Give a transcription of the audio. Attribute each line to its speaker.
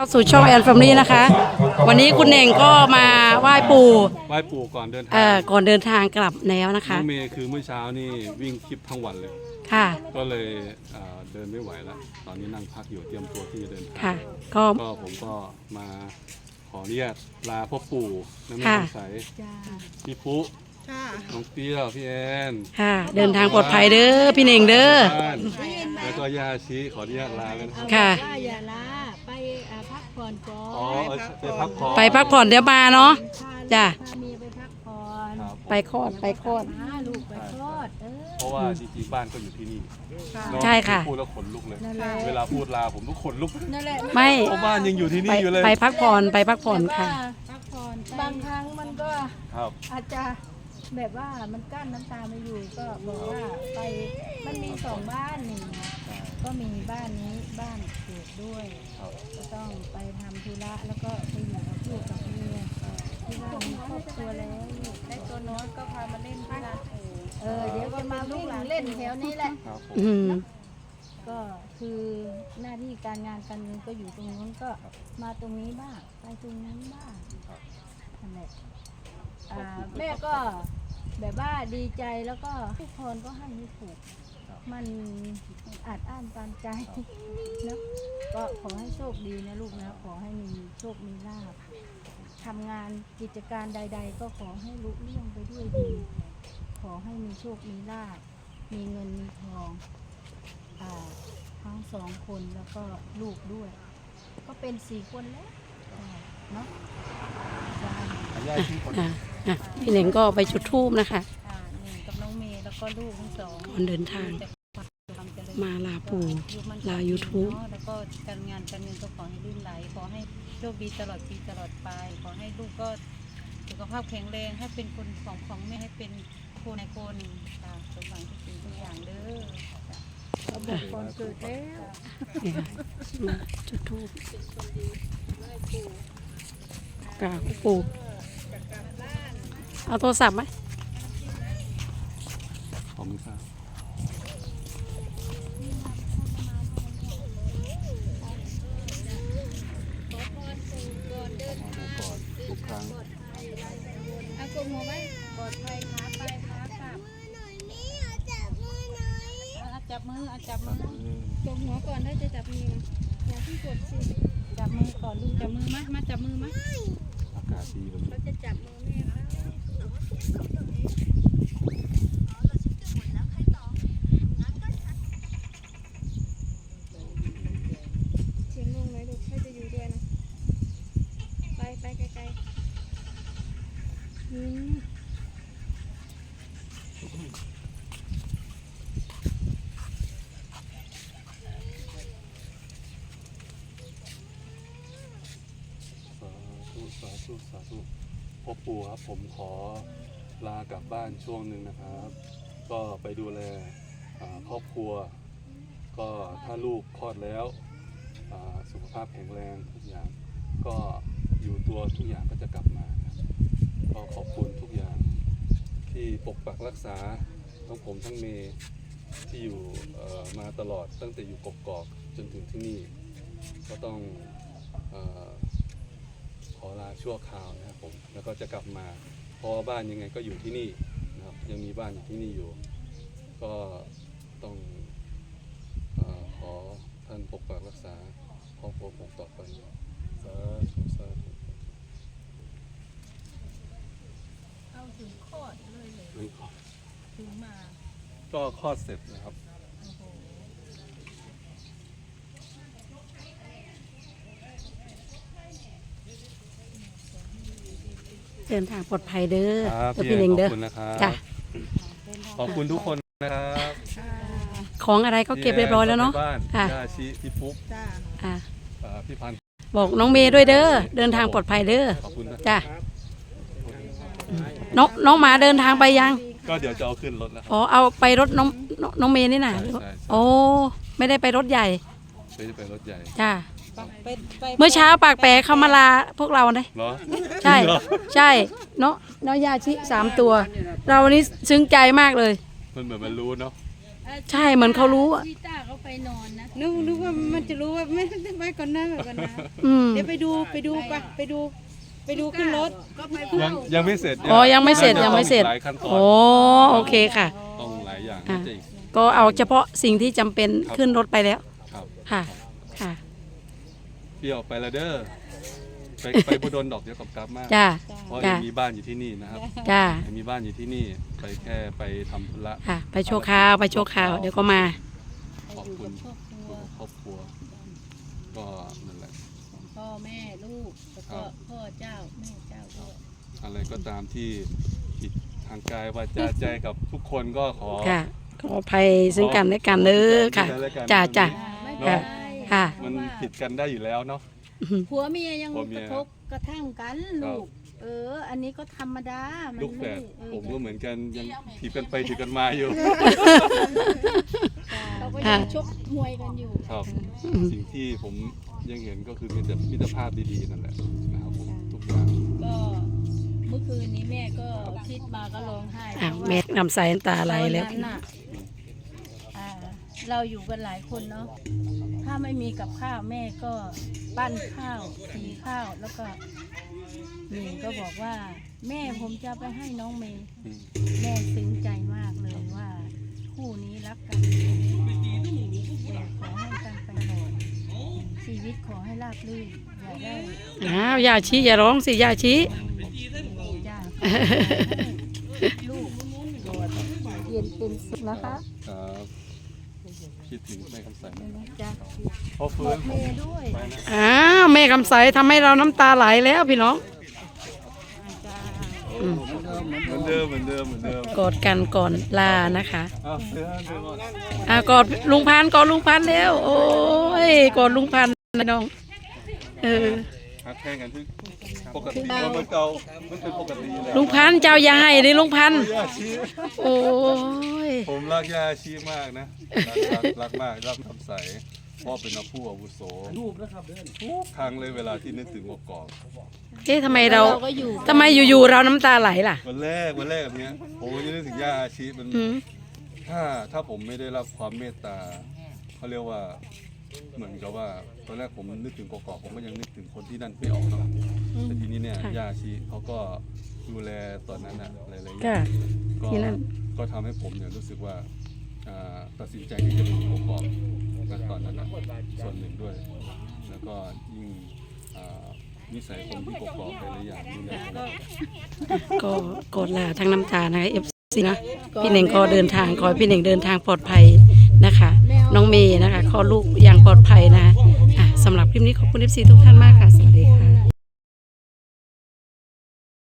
Speaker 1: สู่ช่องแอนแฟมิลี่นะคะวันนี้คุณเน่งก็มาไหว้ปู่
Speaker 2: ก่อนเดินทาง
Speaker 1: ก่อนเดินทางกลับแล้วนะ
Speaker 2: น้
Speaker 1: คะ
Speaker 2: องเมย์คือเมื่อเช้านี่วิ่งคลิปทั้งวันเลย
Speaker 1: ค่ะ
Speaker 2: ก็เลยเดินไม่ไหวแล้วตอนนี้นั่งพักอยู่เตรียมตัวที่จะเดินทาง
Speaker 1: ค่ะ
Speaker 2: ก็ผมก็มาขออนุญาตลาพ่อปู่น้ำมันใสพี่ปุ๊น้องเตี้ยพี่แอน
Speaker 1: ค่ะเดินทางปลอดภัยเด้อพี่เน่งเด้อ
Speaker 2: แล้วก็ย่าชี้ขออนุญาตลาแล้วนะ
Speaker 1: ค่ะ
Speaker 3: อย่าลาไปพักผ่อนก่อน
Speaker 2: ไปพักผ่อน
Speaker 1: ไปพักผ่อนเดี๋ยวมาเนาะจ้ะ
Speaker 3: พาเมียไปพักผ่อน
Speaker 1: ไปคลอด
Speaker 3: ลูกไปคลอด
Speaker 2: เพราะว่าจริงๆบ้านก็อยู่ที่นี่
Speaker 1: ใช่ค่ะ
Speaker 2: พูดแล้วขนลุกเลยเวลาพูดลาผมทุกขนลุก
Speaker 1: ไม่
Speaker 2: เพราะบ้านยังอยู่ที่นี่อยู่เลย
Speaker 1: ไปพักผ่อนค่ะ
Speaker 3: พักผ่อนบางครั้งมันก็อาจจะแบบว่ามันกั้นน้ำตาไม่อยู่ก็บอกว่าไปมันมี2 บ้านนี่ก็มีบ้านนี้บ้านเกิดด้วยก็ต้องไปทำธุระแล้วก็ไปอยู่กับลูกกับเมียที่บ้านมีครอบครัวแล้วได้ตัวน้อยก็พามาเล่นที่ร้านเดี๋ยวก็มาวิ่งเล่นแถวนี้แหละก็คือหน้าที่การงานการเงินก็อยู่ตรงนู้นก็มาตรงนี้บ้างไปตรงนั้นบ้างนั่นแหละแม่ก็แบบว่าดีใจแล้วก็ทุกคนก็ให้ไม่ถูกมันอาจอ้านตามใจนะก็ขอให้โชคดีนะลูกนะขอให้มีโชคมีลาภทำงานกิจการใดๆก็ขอให้ลุล่วงไปด้วยดีขอให้มีโชคมีลาภมีเงินมีทองทั้ง2 คนแล้วก็ลูกด้วยก็เป็น4 คนแล้วเนาะ
Speaker 1: พี่เน่งก็ไปจุดธูปนะคะ
Speaker 3: กับน้องเมย์แล้วก็ลูกทั้ง2
Speaker 1: คนเดินทางมาลาปู่ลา YouTube
Speaker 3: แล้วก็การงานการเงินก็ขอให้ลื่นไหลขอให้โชคดีตลอดปีตลอดไปขอให้ลูกก็สุขภาพแข็งแรงให้เป็นคนของแม่ให้เป็นคนในคนสมหวังทุกสิ่งทุกอย่างเด้อเขาบอกก่อนเกิดแล้ว
Speaker 1: จุดธูปกราบปู่เอาโทรศัพท์ไหม
Speaker 2: ขอบคุณครับทุกครั้ง
Speaker 3: เอากลมหัวไว้ปลอดภัยขาไปขาขับจับมือจมหัวก่อนถ้าจะจับมืออย่าเพิ่งกดสิจับมือก่อนลูกจับมือมาจับมือมา
Speaker 2: อากาศดีแบบนี้
Speaker 3: เขาจะจับมือแม่เสียงงงไหมลูกให้จะอยู่ด้วยนะไปไกลๆ
Speaker 2: สาธุพ่อปู่ครับผมขอลากลับบ้านช่วงหนึ่งนะครับ ก็ไปดูแลครอบครัวก็ถ้าลูกคลอดแล้วสุขภาพแข็งแรงทุกอย่างก็อยู่ตัวทุกอย่างก็จะกลับมาก็ขอบคุณทุกอย่างที่ปกปักรักษาทั้งผมทั้งเมย์ที่อยู่มาตลอดตั้งแต่อยู่กกอกจนถึงที่นี่ก็ต้องขอลาชั่วคราวนะครับผมแล้วก็จะกลับมาเพราะบ้านยังไงก็อยู่ที่นี่นะครับยังมีบ้านอยู่ที่นี่อยู่ก็ต้องขอท่านปกปักรักษาครอบครัวผมต่อไปสาธุ
Speaker 3: เอาถึงคลอดเลยถึงมา
Speaker 2: ก็คลอดเสร็จนะครับ
Speaker 1: เดินทางปลอดภัยเด้อ
Speaker 2: พี่เน่งเด้อจ้ะขอบคุณทุกคนนะครับ
Speaker 1: ของอะไรก็เก็บเรียบร้อยแล้วเนาะ
Speaker 2: ค่ะย่าชีพี่ปุ๊กพี่พัน
Speaker 1: บอกน้องเมย์ด้วยเด้อเดินทางปลอดภัยเด้อ
Speaker 2: ขอบคุณนะ
Speaker 1: จ้ะน้องหมาเดินทางไปยัง
Speaker 2: ก็เดี๋ยวจะเอาขึ้นรถแล้ว
Speaker 1: อ๋อเอาไปรถน้องเมย์นี่น่ะโอ้ไม่ได้ไปรถใหญ่
Speaker 2: ไม่ได้ไปรถใหญ่
Speaker 1: จ้ะเมื่อเช้าปากแปรเขามาลาพวกเราเลยใช่เนาะยาชิ3 ตัวเราวันนี้ซึ้งใจมากเลย
Speaker 2: มันเหมือนมันรู้เนาะ
Speaker 1: ใช่เหมือนเขารู้อ่ะ
Speaker 3: พี่ต้าเขาไปนอนนะ
Speaker 4: นึกว่ามันจะรู้ว่าไม่ไปก่อนหน้าไปก่อนนะ
Speaker 1: อืม
Speaker 4: เดี๋ยวไปดูขึ้นรถ
Speaker 3: ก็ไป
Speaker 2: ยังไม่เสร็จ
Speaker 1: อ๋อยังไม่เสร็จ
Speaker 2: น่าจะ
Speaker 1: ยังไม่เสร็จ
Speaker 2: ต้องอีกหลายขั้นตอน
Speaker 1: โอ้โอเคค่ะ
Speaker 2: ต้องหลายอย่าง
Speaker 1: อ่ะ
Speaker 2: จริง
Speaker 1: ก็เอาเฉพาะสิ่งที่จำเป็นขึ้นรถไปแล้ว
Speaker 2: ครับ
Speaker 1: ค่ะค่ะ
Speaker 2: เปรี้ยวไปละเด้อไปบุดลดอกเดียวกับกราฟมาก
Speaker 1: จ้า
Speaker 2: เพราะ
Speaker 1: จ้า
Speaker 2: ยังมีบ้านอยู่ที่นี่นะครับ
Speaker 1: จ้า
Speaker 2: ยังมีบ้านอยู่ที่นี่ไปแค่ไปทำธุระ
Speaker 1: ค่ะไปโชว์ข่าวไปโชว์ข่าวเดี๋ยวก็มา
Speaker 2: ขอบคุณครอบครัวก็นั่นแหละ
Speaker 3: พ่อแม่ลูกแล้วก็พ่อเจ้าแม่เจ้าด้วย
Speaker 2: อะไรก็ตามที่ผิดทางกายวาจาใจกับทุกคนก็ขอ
Speaker 1: ค่ะขออภัยซึ่งกันและกันเด้อค่ะ จ้าจ้า
Speaker 3: ไม่เป็นไร
Speaker 1: ค่ะ
Speaker 2: มันผิดกันได้อยู่แล้วเนาะ
Speaker 3: ผัวเมียยัง
Speaker 2: ผัวเมี
Speaker 3: ก
Speaker 2: ย
Speaker 3: ระทบกระทั่งกัน
Speaker 2: ครั
Speaker 3: ลู
Speaker 2: บ
Speaker 3: ก อันนี้ก็ธรรมดามัน
Speaker 2: ลูกแฝ
Speaker 3: ไม่
Speaker 2: ด
Speaker 3: ได้
Speaker 2: ผมก็เหมือนกันยังถีบกันไปถีบกันมาอยู่
Speaker 3: เราก็ยังชกมวยกันอยู่
Speaker 2: ครับ สิ่งที่ผมยังเห็นก็คือมีแต่มิตรภาพดีๆนั่นแหละนะครับผมทุกอย่าง
Speaker 3: ก็เมื่อคืนนี้แม่ก็คิดมาก็ร้องไห้
Speaker 1: อ่ะแม่นำใส่น้ำตาไหลแล้ว
Speaker 3: ตอนนั้นน่ะเราอยู่กันหลายคนเนาะถ้าไม่มีกับข้าวแม่ก็ปั้นข้าวสีข้าวแล้วก็หนิงก็บอกว่า แม่ผมจะไปให้น้องเมย์
Speaker 2: อืม
Speaker 3: แม่ซึ้งใจมากเลยว่าคู่นี้รักกันแต่ขอให้กันไปตลอดชีวิตขอให้ราบรื่นอย่าได้
Speaker 1: อ้าวอย่าชี้อย่าร้องสิอย่าชี้
Speaker 3: จ้าลูกโดดเย็นเป็นสุขนะคะ
Speaker 2: ครับคิดถึงแม่คำใสไหม
Speaker 3: จ้า
Speaker 2: พ่อ
Speaker 3: บ
Speaker 2: ฟื้
Speaker 3: อน กเมย์ด้วย
Speaker 2: ไปนะ
Speaker 1: อ้าวแม่คำใสทำให้เราน้ำตาไหลแล้วพี่น้อง
Speaker 3: จ้า
Speaker 1: อืม
Speaker 2: เหมือนเดิมเหมือนเดิมเหมือนเดิม
Speaker 1: กอดกันก่อนลานะคะ
Speaker 2: อ้าวเดินก่อน
Speaker 1: กอดลุงพันธุ์กอดลุงพันธุ์แล้วโอ้ยกอดลุงพันธุ์นะน้อง
Speaker 2: ฮักแข่งกันที่ปกติว่ามันเก่ามันเป็นปกติแล้ว
Speaker 1: ลุงพันธุ์เจ้าอย่าให้เลยลุงพันธุ์
Speaker 2: ย่าชี
Speaker 1: โอ้ย
Speaker 2: ผมรักย่าชีมากนะรักมากรักคำใสพ่อเป็นนักผู้อาวุโสทุกครั้งเลยเวลาที่นึกถึงกอก
Speaker 1: เอ๊ะทำไมเรา
Speaker 3: ก็อยู่
Speaker 1: ทำไมอยู่ๆเราน้ำตาไหลล่ะ
Speaker 2: วันแรกแบบเนี้ยผมก็จะนึกถึงย่าชีมัน
Speaker 1: อืม
Speaker 2: ถ้าผมไม่ได้รับความเมตตาเขาเรียกว่าเหมือนกับว่าตอนแรกผมนึกถึงกอกผมก็ยังนึกถึงคนที่นั่นไม่ออกเนาะแต่ทีนี้เนี่ยย่าชีเขาก็ดูแลตอนนั้นอะหลายๆอย่าง
Speaker 1: ค่ะ
Speaker 2: ก็
Speaker 1: ที่นั่น
Speaker 2: ก็ทำให้ผมเนี่ยรู้สึกว่าตัดสินใจที่จะไปอยู่กอกนะตอนนั้นนะส่วนหนึ่งด้วย แล้วก็ยิ่งนิสัยคนที่กอกหลายๆอย่างดูแลผม
Speaker 1: ก็กอดลาทั้งน้ำตานะคะFC นะพี่เน่งก็เดินทางขอให้พี่เน่งเดินทางปลอดภัยนะคะ น้องเมย์นะคะคลอดลูกอย่างปลอดภัยนะคะสำหรับคลิปนี้ขอบคุณ FC ทุกท่านมากค่ะ